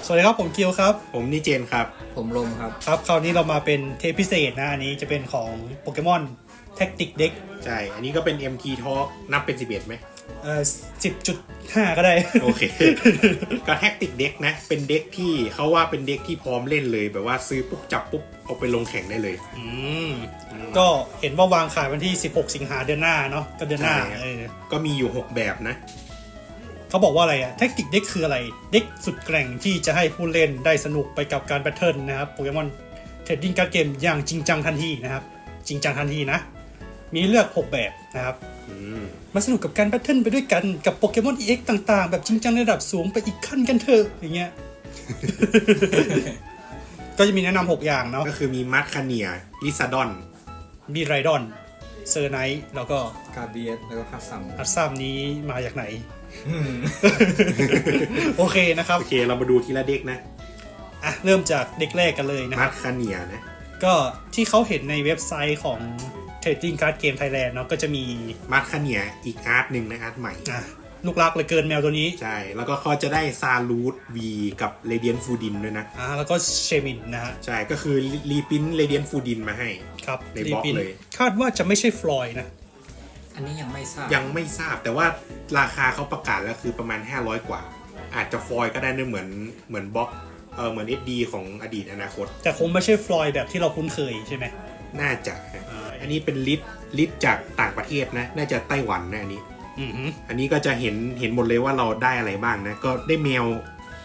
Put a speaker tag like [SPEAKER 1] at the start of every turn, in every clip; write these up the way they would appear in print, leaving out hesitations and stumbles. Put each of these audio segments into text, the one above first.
[SPEAKER 1] สวัสดีครับผมกิวครับ
[SPEAKER 2] ผมนี่เจนครับ
[SPEAKER 3] ผมลมครับ
[SPEAKER 1] ครับคราวนี้เรามาเป็นเทปพิเศษนะอันนี้จะเป็นของโปเกมอนแท็กติกเด็ก
[SPEAKER 2] ใช่อันนี้ก็เป็น MT Talk นับเป็น11ไหม
[SPEAKER 1] 10.5 ก็ได้
[SPEAKER 2] โอเค ก็แท็กติกเด็กนะเป็นเด็กที่เขาว่าเป็นเด็กที่พร้อมเล่นเลยแบบว่าซื้อปุ๊บจับปุ๊บเอาไปลงแข่งได้เลย
[SPEAKER 1] ก็เห็นว่าวางขายวันที่16 สิงหาเดือนหน้าเนาะก็เดือนหน้า
[SPEAKER 2] ก็มีอยู่6แบบนะ
[SPEAKER 1] เขาบอกว่าอะไรอะแท็กติกเด็กคืออะไรเด็กสุดแกร่งที่จะให้ผู้เล่นได้สนุกไปกับการแบทเทิลนะครับโปเกมอนเทรดดิ้งการ์ดเกมอย่างจริงจังทันทีนะครับจริงจังทันทีนะมีเลือก6แบบนะครับมาสนุกกับการแบทเทิลไปด้วยกันกับโปเกมอน EX ต่างๆแบบจริงจังระดับสูงไปอีกขั้นกันเถอะอย่างเงี้ย ก็จะมีแนะนำ6อย่างเนาะ
[SPEAKER 2] ก็คือมีมัดคาเนียลิซาดอน
[SPEAKER 1] มีไรดอนเซอร์ไนท์แล้วก็
[SPEAKER 3] กาเบียสแล้วก็
[SPEAKER 1] ฮัตซัมนี้มาจากไหน โอเคนะครับ
[SPEAKER 2] โอเคเรามาดูทีละเด็กนะ
[SPEAKER 1] เริ่มจากเด็กแรกกันเลยนะ
[SPEAKER 2] มัดคาเนียนะ
[SPEAKER 1] ก็ที่เขาเห็นในเว็บไซต์ของ Trading Card Game Thailand เนาะก็จะมี
[SPEAKER 2] มัดคาเนียอีกอาร์ตหนึ่งนะอาร์ตใหม่
[SPEAKER 1] ลูกรักเลยเกินแมวตัวนี้
[SPEAKER 2] ใช่แล้วก็เขาจะได้ซาลูดวีกับเรเดียนฟูดินด้วยนะ
[SPEAKER 1] แล้วก็เชมินนะฮะ
[SPEAKER 2] ใช่ก็คือรีพินเรเดียนฟูดินมาให้
[SPEAKER 1] ครับ
[SPEAKER 2] ในบล็อกเลย
[SPEAKER 1] คาดว่าจะไม่ใช่ฟลอยนะ
[SPEAKER 3] อันนี้ยังไม่ท
[SPEAKER 2] ราบแต่ว่าราคาเขาประกาศแล้วคือประมาณ500กว่าอาจจะฟลอยก็ได้ด้วยเหมือนบล็อกเหมือน SD ของอดีตอนาคต
[SPEAKER 1] แต่คงไม่ใช่ฟลอยแบบที่เราคุ้นเคยใช่ไหม
[SPEAKER 2] น่าจะอันนี้เป็นลิสจากต่างประเทศนะน่าจะไต้หวันนะอันนี้อันนี้ก็จะเห็นหมดเลยว่าเราได้อะไรบ้างนะก็ได้แมว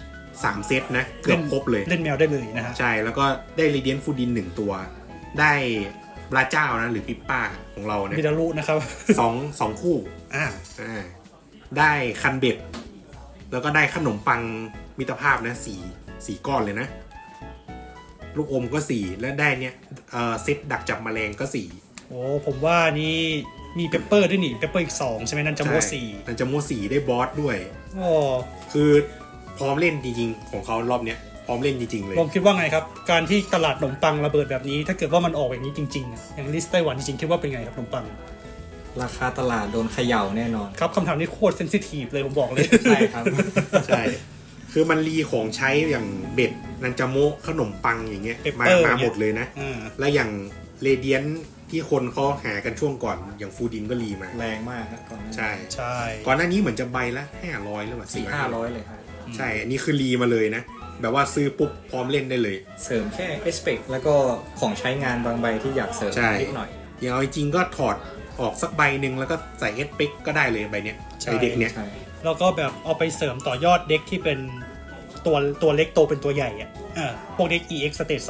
[SPEAKER 2] 3เซตนะเกือบครบเลย
[SPEAKER 1] เล่นแมวได้เลยนะฮะ
[SPEAKER 2] ใช่แล้วก็ได้เรเดียนฟูดิน1ตัวได้ปลาเจ้านะหรือปิปป้าของเราเนี่ย
[SPEAKER 1] มิดารุนะครับ
[SPEAKER 2] สองคู่ได้คันเบ็ดแล้วก็ได้ขนมปังมิตรภาพนะสี่ก้อนเลยนะลูกอมก็4และได้เนี่ยเซตดักจับแมลงก็4
[SPEAKER 1] โอ้ผมว่านี่มีเปปเปอร์ด้วยนี่เปปเปอร์อีก2ใช่ไหมนั่นจะโม4
[SPEAKER 2] นั่นจะโม4ได้บอสด้วยคือพร้อมเล่นจริงๆของเขารอบเนี้ยพร้อมเล่นจริงๆเลย
[SPEAKER 1] ผมคิดว่าไงครับการที่ตลาดขนมปังระเบิดแบบนี้ถ้าเกิดว่ามันออกแบบนี้จริงๆอย่างลิสต์ไต้หวันจริงๆคิดว่าเป็นไงครับขนมปัง
[SPEAKER 3] ราคาตลาดโดนเขย่าแน่นอน
[SPEAKER 1] ครับคำถามนี้โคตรเซนซิทีฟเลยผมบอกเลย
[SPEAKER 3] ใช่ครับ
[SPEAKER 2] ใช่คือมันรีของใช้อย่างเบ็ดนันจาโมขนมปังอย่างเงี้ยมาหมดเลยนะและอย่างเรเดียนที่คนเขาหากันช่วงก่อนอย่างฟูดินก็รีมา
[SPEAKER 3] แรงมากนะก่อน
[SPEAKER 2] ใช่ก่อนหน้านี้เหมือนจะใบละ500หรือเปล่า
[SPEAKER 3] 400-500เลยครับ
[SPEAKER 2] ใช่อันนี้คือรีมาเลยนะแบบว่าซื้อปุ๊บพร้อมเล่นได้เลย
[SPEAKER 3] เสริมแค่เอสเปกแล้วก็ของใช้งานบางใบที่อยากเสริมนิดหน่อย
[SPEAKER 2] อย่างเอาจริงก็ถอดออกสักใบหนึ่งแล้วก็ใส่เอสเปกก็ได้เลยใบเนี้ยใช้เด็กเนี้ย
[SPEAKER 1] แล้วก็แบบเอาไปเสริมต่อยอดเด็กที่เป็นตัวเล็กโตเป็นตัวใหญ่อ่ะพวกเด็ก EX Stage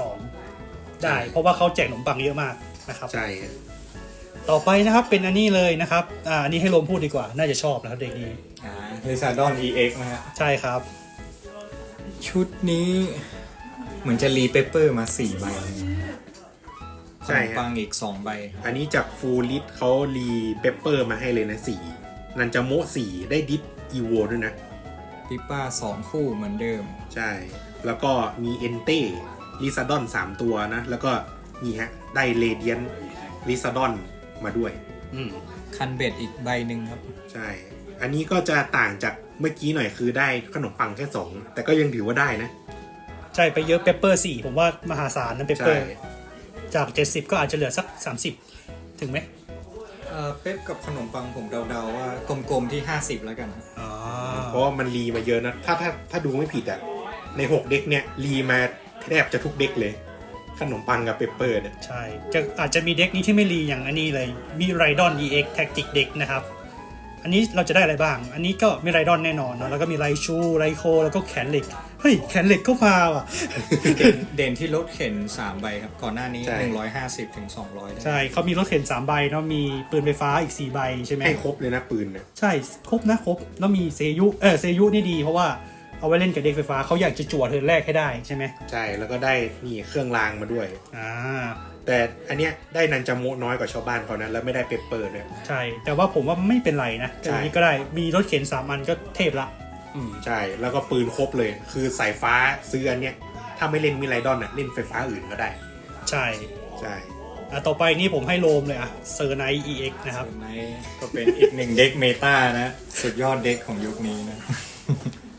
[SPEAKER 1] 2ได้เพราะว่าเขาแจกขนมปังเยอะมากนะครับ
[SPEAKER 2] ใช่
[SPEAKER 1] ต่อไปนะครับเป็นอันนี้เลยนะครับอันนี้ให้ลมพูดดีกว่าน่าจะชอบนะครับเด็กนี้
[SPEAKER 3] ลิซาดอน EX นะฮะ
[SPEAKER 1] ใช่ครับ
[SPEAKER 3] ชุดนี้เหมือนจะรีเปเปอร์มา4ใบ
[SPEAKER 2] ใช่
[SPEAKER 3] ปังอีก2ใบ
[SPEAKER 2] อันนี้จากฟูลิสเขารีเปเปอร์มาให้เลยนะ4นันจาโม4ได้ดิสอีโวด้วยนะ
[SPEAKER 3] ปิป้า2คู่เหมือนเดิม
[SPEAKER 2] ใช่แล้วก็มีเอนเต้ลิซาดอน3ตัวนะแล้วก็นี่ฮะได้เรเดียนลิซาดอนมาด้วย
[SPEAKER 3] คันเบ็ดอีกใบหนึ่งครับ
[SPEAKER 2] ใช่อันนี้ก็จะต่างจากเมื่อกี้หน่อยคือได้ขนมปังแค่2แต่ก็ยังถือว่าได้นะ
[SPEAKER 1] ใช่ไปเยอะเปเปอร์4ผมว่ามหาศาลนะเปเปอร์จาก70ก็อาจจะเหลือสัก30ถึงไหม
[SPEAKER 3] เป๊ปกับขนมปังผมเดาๆว่ากลมๆที่50แล้วกัน
[SPEAKER 2] เพราะมันรีมาเยอะนะถ้าดูไม่ผิดอ่ะใน6เด็กเนี่ยรีมาแทบจะทุกเด็กเลยขนมปังกับเปเปอร์เนี่ย
[SPEAKER 1] ใช่อาจจะมีเด็กนี้ที่ไม่รีอย่างอันนี้เลยมีไรดอน EX Tactic เด็กนะครับอันนี้เราจะได้อะไรบ้างอันนี้ก็มีไรดอนแน่นอนเนาะแล้วก็มีไรชูไรโคแล้วก็แขนเหล็กเฮ้ยแขนเหล็กก็มาว่ะ
[SPEAKER 3] เด่นที่รถเข็น3ใบครับก่อนหน้านี้150ถึง200
[SPEAKER 1] ใช่เขามีรถเข็น3ใบเนาะมีปืนไฟฟ้าอีก4ใบใช่ไหม
[SPEAKER 2] ให้ครบเลยนะปืนเนี่ย
[SPEAKER 1] ใช่ครบแล้วมีเซยุนี่ดีเพราะว่าเอาไว้เล่นกับเด็กไฟฟ้าเขาอยากจะจั่วเทิร์นแรกให้ได้ใช่ไหม
[SPEAKER 2] ใช่แล้วก็ได้นี่เครื่องรางมาด้วยแต่อันเนี้ยได้นันจาโมน้อยกว่าชาวบ้านเขานะแล้วไม่ได้เปเปอร์เนี่ย
[SPEAKER 1] ใช่แต่ว่าผมว่าไม่เป็นไรนะอันนี้ก็ได้มีรถเข็น3อันก็เทพละ
[SPEAKER 2] ใช่แล้วก็ปืนครบเลยคือสายฟ้าซื้ออันเนี้ยถ้าไม่เล่นมิไรดอนเล่นไฟฟ้าอื่นก็ได้
[SPEAKER 1] ใช่ต่อไปนี่ผมให้โลมเลยเซอร์ไนท์ EX นะครับ
[SPEAKER 3] เซอร์ไนท์ก็เป็นอีก1เด็กเมตานะสุดยอดเด็กของยุคนี้นะ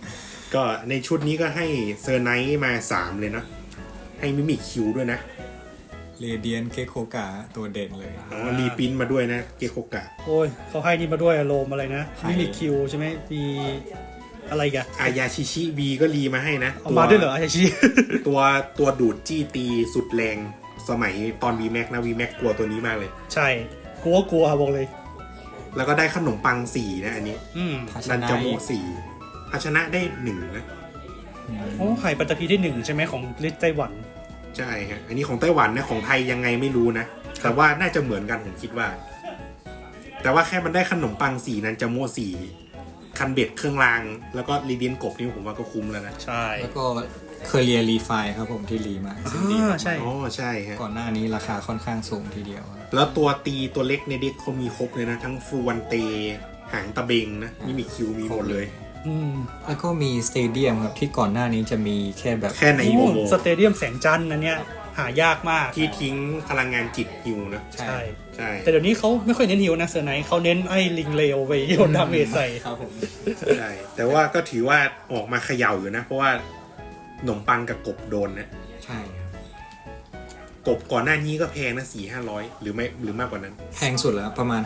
[SPEAKER 2] ก็ในชุดนี้ก็ให้เซอร์ไนท์มา3เลยนะให้มิมิคิวด้วยนะ
[SPEAKER 3] เรเดียนเกโคกะตัวเด่นเลย
[SPEAKER 2] รีปรินท์มาด้วยนะเกโคกะ
[SPEAKER 1] โอ้ยเขาให้นี่มาด้วยอารมณ์อะไรนะ
[SPEAKER 3] ให้
[SPEAKER 1] มิมิคิวใช่ไหมมีอะไรกัน
[SPEAKER 2] อายาชิชิวีก็รีมาให้นะ
[SPEAKER 1] เอามาด้วยเหรออาชิ
[SPEAKER 2] ตัวดูดจี้ตีสุดแรงสมัยตอน VMAX นะ VMAX กลัวตัวนี้มากเลย
[SPEAKER 1] ใช่กลัวบอกเลย
[SPEAKER 2] แล้วก็ได้ขนมปัง4นะอันนี้
[SPEAKER 3] ภาช
[SPEAKER 2] นัน
[SPEAKER 3] นะ
[SPEAKER 2] จาโม4ภาชนะได้1นะ
[SPEAKER 1] โอ้ไข่ปัตตพีได้1ใช่ไหมของลิตไต้หวัน
[SPEAKER 2] ใช่ฮะอันนี้ของไต้หวันนะของไทยยังไงไม่รู้นะแต่ว่าน่าจะเหมือนกันผมคิดว่า แต่ว่าแค่มันได้ขนมปัง4นันจาโม4คันเบ็ดเครื่องราง แล้วก็รีเดียนกบนี่ผมว่าก็คุ้มแล้วนะ
[SPEAKER 1] ใช่
[SPEAKER 3] แล้วก็เคอเรียรีไฟครับผมที่รีมาซึ่งดีมาก
[SPEAKER 1] ใช่
[SPEAKER 2] อ๋อใช่ฮะ
[SPEAKER 3] ก่อนหน้านี้ราคาค่อนข้างสูงทีเดียวครับ
[SPEAKER 2] แล้วตัวตีตัวเล็กในเด็กเขามีครบเลยนะ ทั้งฟูวันเตหางตะเบงนะนี่มีคิวมีหมดเลย
[SPEAKER 3] แล้วก็มีสเตเดียมครับที่ก่อนหน้านี้จะมีแค่แบบ
[SPEAKER 2] แค่ในโมโม
[SPEAKER 1] สเตเดียมแสงจันทร์อันเนี้ยหายากมาก
[SPEAKER 2] ที่ทิ้งพลังงานจิตฮิวนะ
[SPEAKER 3] ใช่
[SPEAKER 2] ใช่
[SPEAKER 1] แต่เดี๋ยวนี้เขาไม่ค่อยเน้นฮิวนะเซอร์ไนท์เขาเน้นไอ้ลิงเลวไปโยนดาเมจใส่
[SPEAKER 3] ครับผม
[SPEAKER 2] ใช่แต่ว่าก็ถือว่าออกมาเขย่าอยู่นะ เพราะว่าขนมปังกับกบโดนนะ
[SPEAKER 3] ใช่ครับ
[SPEAKER 2] กบก่อนหน้านี้ก็แพงนะ400-500หรือไม่หรือมากกว่านั้น
[SPEAKER 3] แพงสุดแล้วประมาณ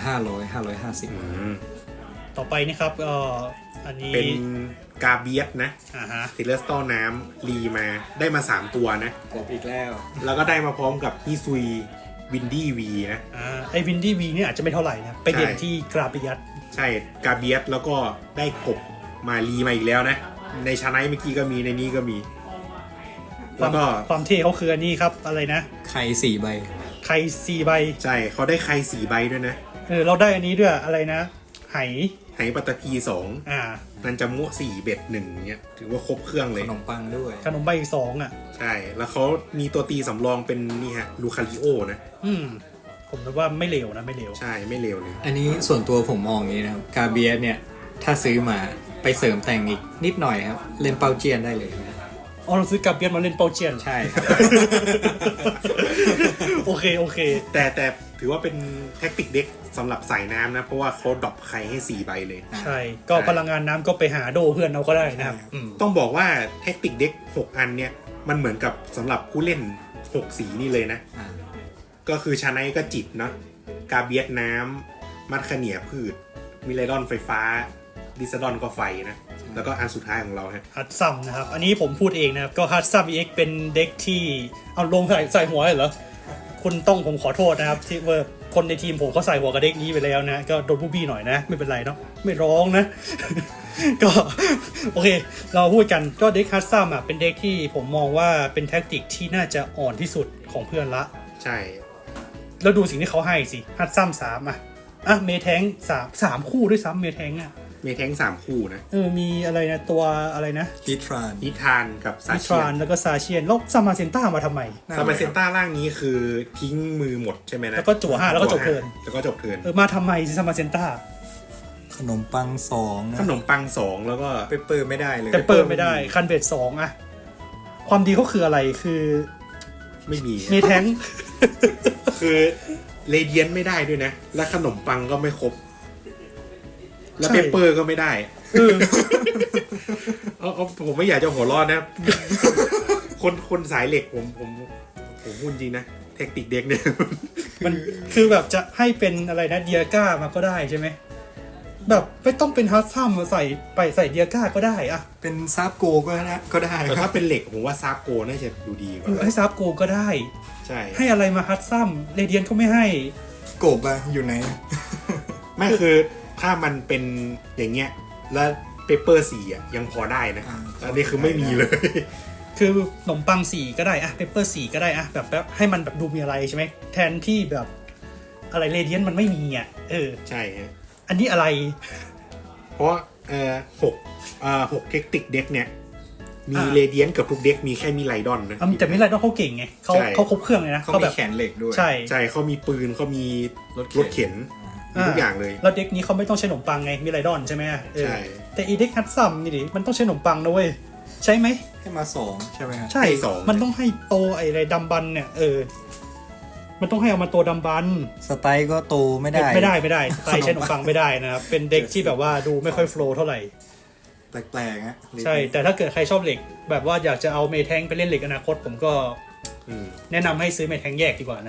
[SPEAKER 3] 500-550
[SPEAKER 1] ต่อไปนี่ครับอันนี้
[SPEAKER 2] เป็นกาเบียสนะ
[SPEAKER 1] ฮะ
[SPEAKER 2] เทเลสตอน้ำรีมาได้มา3ตัวนะ
[SPEAKER 3] กบอีกแล้ว
[SPEAKER 2] แล้วก็ได้มาพร้อมกับฮิซุยวินดี้วีนะ
[SPEAKER 1] ไอ้วินดี้วีเนี่ยอาจจะไม่เท่าไหร่นะไปเด่นที่กราปิยัต
[SPEAKER 2] ใช่กาเบียสแล้วก็ได้กบมารีมาอีกแล้วนะ ในชาไนท์เมื่อกี้ก็มีในนี้ก็มี แล้วก็
[SPEAKER 1] ความเท่เขาคืออันนี้ครับอะไรนะ
[SPEAKER 3] ไข่4 ใบ
[SPEAKER 1] ไข่4 ใบ
[SPEAKER 2] ใช่เขาได้ใคร4 ใบด้วยนะ
[SPEAKER 1] เราได้อันนี้ด้วยอะไรนะไห
[SPEAKER 2] ไหปัตตพี2
[SPEAKER 1] อ่า
[SPEAKER 2] นันจามุ4เบ็ด1เนี่ยถือว่าครบเครื่องเล
[SPEAKER 3] ข
[SPEAKER 2] ย
[SPEAKER 3] นมปังด้วย
[SPEAKER 1] ขนมใบอีก2อ่ะ
[SPEAKER 2] ใช่ แล้วเขามีตัวตีสำรองเป็นนี่ฮะลูคาริโอนะ
[SPEAKER 1] ผมคิดว่าไม่เลวนะไม่เลว
[SPEAKER 2] ใช่ไม่เลวเลย
[SPEAKER 3] อันนี้ส่วนตัวผมมองอย่างนี้นะครับกาเบียสเนี่ยถ้าซื้อมาไปเสริมแต่งอีกนิดหน่อยครับเล่นเปาเจียนได้เลยครับ
[SPEAKER 1] อ๋อเราซื้อกาเบียนมาเล่นเปาเจียน
[SPEAKER 3] ใช่ครับ
[SPEAKER 1] โอเค
[SPEAKER 2] แต่ถือว่าเป็นแท็กติกเด็กสำหรับสายน้ำนะ เพราะว่าเขาดรอปใครให้4 ใบเลย
[SPEAKER 1] ใช่ ก็พลังงานน้ำก็ไปหาโดเพื่อนเราก็ได้นะครับ
[SPEAKER 2] ต้องบอกว่าแท็กติกเด็ก6 อันเนี่ย มันเหมือนกับสำหรับผู้เล่น 6 สีนี่เลยนะ ก็คือชาไนก็จิตเนาะกาเบียสน้ำมัดขเนียพืช มิเลดอนไฟฟ้า ดิสดอนก็ไฟนะ แล้วก็อันสุดท้ายของเราฮะ
[SPEAKER 1] ฮัตซัมนะครับ อันนี้ผมพูดเองนะครับ ก็ฮัตซัม EX เป็นเด็กที่เอาลงใส่หัวเลยเหรอ คุณต้องผมขอโทษนะครับ ที่ว่าคนในทีมผมเขาใส่หัวกับเด็กนี้ไปแล้วนะ ก็โดนบูบี้หน่อยนะ ไม่เป็นไรเนาะไม่ร้องนะ ก็โอเค เราพูดกันก็เด็กฮัตซัมอ่ะเป็นเด็กที่ผมมองว่าเป็นแท็กติกที่น่าจะอ่อนที่สุดของเพื่อนละ
[SPEAKER 2] ใช่
[SPEAKER 1] แล้วดูสิ่งที่เขาให้สิฮัตซัม3เมแทง3คู่ด้วยซ้ำเมแทงอ่ะ
[SPEAKER 2] มีแท้ง3 คู่นะ
[SPEAKER 1] มีอะไรนะตัวอะไรนะ
[SPEAKER 3] ฮิตฟราน
[SPEAKER 2] นิทานกับซา
[SPEAKER 1] มิ
[SPEAKER 2] เชี
[SPEAKER 1] ทราย น
[SPEAKER 2] น
[SPEAKER 1] แล้วก็ซาเชียนแล้วซามาเซนต้ามาทำไม
[SPEAKER 2] ซามาเซนต้าร่างนี้คือทิ้งมือหมดใช่ไหมนะ
[SPEAKER 1] แล้วก็จั่ว5แล้วก็จบเทิร์น
[SPEAKER 2] แล้วก็จบเทิร์น
[SPEAKER 1] มาทำไมซามาเซนต้า
[SPEAKER 3] ขนมปัง2นะ
[SPEAKER 2] ขนมปัง2แล้วก็
[SPEAKER 3] เปอร์ไม่ได้เลย
[SPEAKER 1] แต่เปิดไม่ได้คันเบด2อะความดีเขาคืออะไรคือ
[SPEAKER 2] ไม่มี
[SPEAKER 1] เมแทง
[SPEAKER 2] คือเรเดียนไม่ได้ด้วยนะ และขนมปังก็ไม่ครบ แล้ว
[SPEAKER 1] ใช่
[SPEAKER 2] เปเปอร์ก็ไม่ได้ผมไม่อยากจะหัวเร้อนนะ คนสายเหล็กผมพูดจริงนะเทคนิคเด็กเนี่ย
[SPEAKER 1] มันคือแบบจะให้เป็นอะไรนะเดียก้ามาก็ได้ใช่ไหมแบบไม่ต้องเป็นฮัตซัมมาใส่เดียก้าก็ได้อะ
[SPEAKER 3] เป็นซาบโกก็ได้
[SPEAKER 2] แต่
[SPEAKER 3] ครั
[SPEAKER 2] ถ้า
[SPEAKER 3] บ
[SPEAKER 2] เป็นเหล็กผมว่าซาบโกน่าจะดูดีกว่า
[SPEAKER 1] ให้ซับโกก็ได้
[SPEAKER 2] ใช่
[SPEAKER 1] ให้อะไรมาฮัตซัมเรเดียนก็ไม่ให้
[SPEAKER 3] กบอะอยู่ไหน
[SPEAKER 2] ไม่คือถ้ามันเป็นอย่างเงี้ยแล้วเปเปอร์4อ่ะยังพอได้นะอันนี้คือไม่มีเลย
[SPEAKER 1] คือขนมปัง4ก็ได้อะเปเปอร์4ก็ได้อะแบบให้มันแบบดูมีอะไรใช่ไหมแทนที่แบบอะไรเรเดียนมันไม่มีอ่ะ
[SPEAKER 2] ใช่ฮะ
[SPEAKER 1] อันนี้อะไร
[SPEAKER 2] เพราะ6เทคนิคเด็กเนี่ยมีเรเดียนกับทุกเด็กมีแค่มีไลดอนนะ
[SPEAKER 1] แต่ไม่ไรต้องเขาเก่งไงเขาครบเครื่องเลยนะ
[SPEAKER 3] เขา
[SPEAKER 1] เขา
[SPEAKER 3] มี
[SPEAKER 1] แบบ
[SPEAKER 3] แขนเหล็กด้วย
[SPEAKER 1] ใช่
[SPEAKER 2] ใช่เขามีปืนเขามีรถเข็นมีทุกอย่างเลย
[SPEAKER 1] แล้วเด็กนี้เขาไม่ต้องใช้ขนมปังไงมีไรดอนใช่ไหม
[SPEAKER 2] ใช่
[SPEAKER 1] แต่อีเด็กฮัตซัมนี่ดิมันต้องใช้ขนมปังนะเว้ยใช่ไหม
[SPEAKER 3] ให้มา2ใช่ไหมครับ
[SPEAKER 1] ใช่ มันต้องให้โตไอ้ไรดัมบันเนี่ยมันต้องให้เอามาโตดัมบัน
[SPEAKER 3] สไตล์ก็โตไม่ได้
[SPEAKER 1] ไม่ได้สไตล์ใช้ขนมปังไม่ได้นะครับเป็นเด็กที่แบบว่าดูไม่ค่อยโฟล์เท่าไหร่
[SPEAKER 3] แปลกๆฮะ
[SPEAKER 1] ใช่ แต่ถ้าเกิดใครชอบเหล็ก แบบว่าอยากจะเอาเมแทงไปเล่นเหล็กอนาคตผมก็แนะนำให้ซื้อเมแทงแยกดีกว่านะ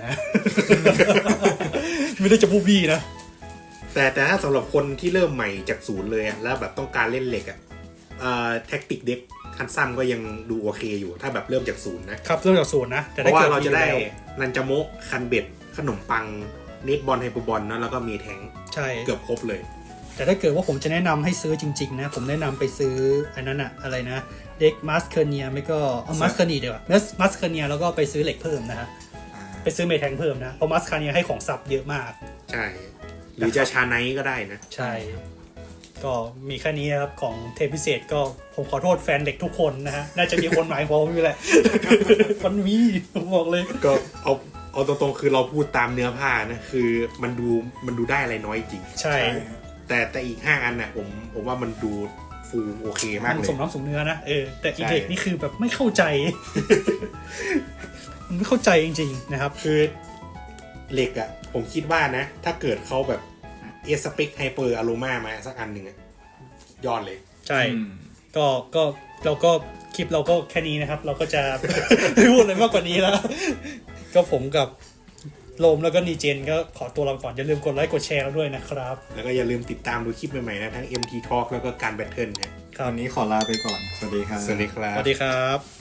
[SPEAKER 1] ไม่ได้จะบูบี้นะ
[SPEAKER 2] แต่ถ้าสำหรับคนที่เริ่มใหม่จากศูนย์เลยอะแล้วแบบต้องการเล่นเหล็กอะแท็กติกเด็กคันซัมก็ยังดูโอเคอยู่ถ้าแบบเริ่มจากศูนย์นะครับ
[SPEAKER 1] เริ่มจากศูนย์นะแต่
[SPEAKER 2] เพ
[SPEAKER 1] ถ้า
[SPEAKER 2] ราะว่า
[SPEAKER 1] เกิด
[SPEAKER 2] เราจะได้
[SPEAKER 1] มีแล้ว
[SPEAKER 2] นันจาโมะคันเบ็ดขนมปังเนตบอลไฮเปอร์บอลนะแล้วก็มีแทง
[SPEAKER 1] ใช่
[SPEAKER 2] เกือบครบเลย
[SPEAKER 1] แต่ถ้าเกิดว่าผมจะแนะนำให้ซื้อจริงๆนะผมแนะนำไปซื้ออันนั้นอะอะไรนะเด็กมาสเคเนียไม่ก็เอามาสเคเนียดีกว่ามาสเคเนียแล้วก็ไปซื้อเหล็กเพิ่มนะฮะไปซื้อเมแทงเพิ่มนะเพราะมาสเคเนียให้ของซับเยอะมาก
[SPEAKER 2] ใช่ หรือจะชาไนท์ก็ได้นะ
[SPEAKER 1] ใช่ ก็มีแค่นี้นะครับของเทปพิเศษก็ผมขอโทษแฟนเด็กทุกคนนะฮะน่าจะมีคนหมายความว่าแหละ มันมีผมบอกเลย
[SPEAKER 2] ก็เอาตรงๆคือเราพูดตามเนื้อผ้านะคือมันดูได้อะไรน้อยจริง
[SPEAKER 1] ใช่
[SPEAKER 2] แต่อีก5อันน่ะผมว่ามันดูฟูลโอเคมาก
[SPEAKER 1] มัน
[SPEAKER 2] เลย
[SPEAKER 1] สมน้ำสมเนื้อนะแต่อี
[SPEAKER 2] ใช่
[SPEAKER 1] เด็กนี่คือแบบไม่เข้าใจ มันไม่เข้าใจจริงๆนะครับ
[SPEAKER 2] คือเหล็กอะผมคิดว่านะ ถ้าเกิดเขาแบบเอสเปกไฮเปอร์อโรมามาสักอันหนึ่งอะยอดเลย
[SPEAKER 1] ใช่ก็เราก็คลิปเราก็แค่นี้นะครับ เราก็จะ ไม่พูดอะไรมากกว่านี้แล้ว ก็ผมกับโลมแล้วก็นีเจนก็ขอตัวลาก่อนอย่าลืมกดไลค์กดแชร์เราด้วยนะครับ
[SPEAKER 2] แล้วก็อย่าลืมติดตามดูคลิปใหม่ๆนะทั้ง MT Talk แล้วก็การแบทเทิลนะ
[SPEAKER 3] วันนี้ขอลาไปก่อน สวัสดีครับ
[SPEAKER 2] สวัสดีครับ
[SPEAKER 1] สวัสดีครับ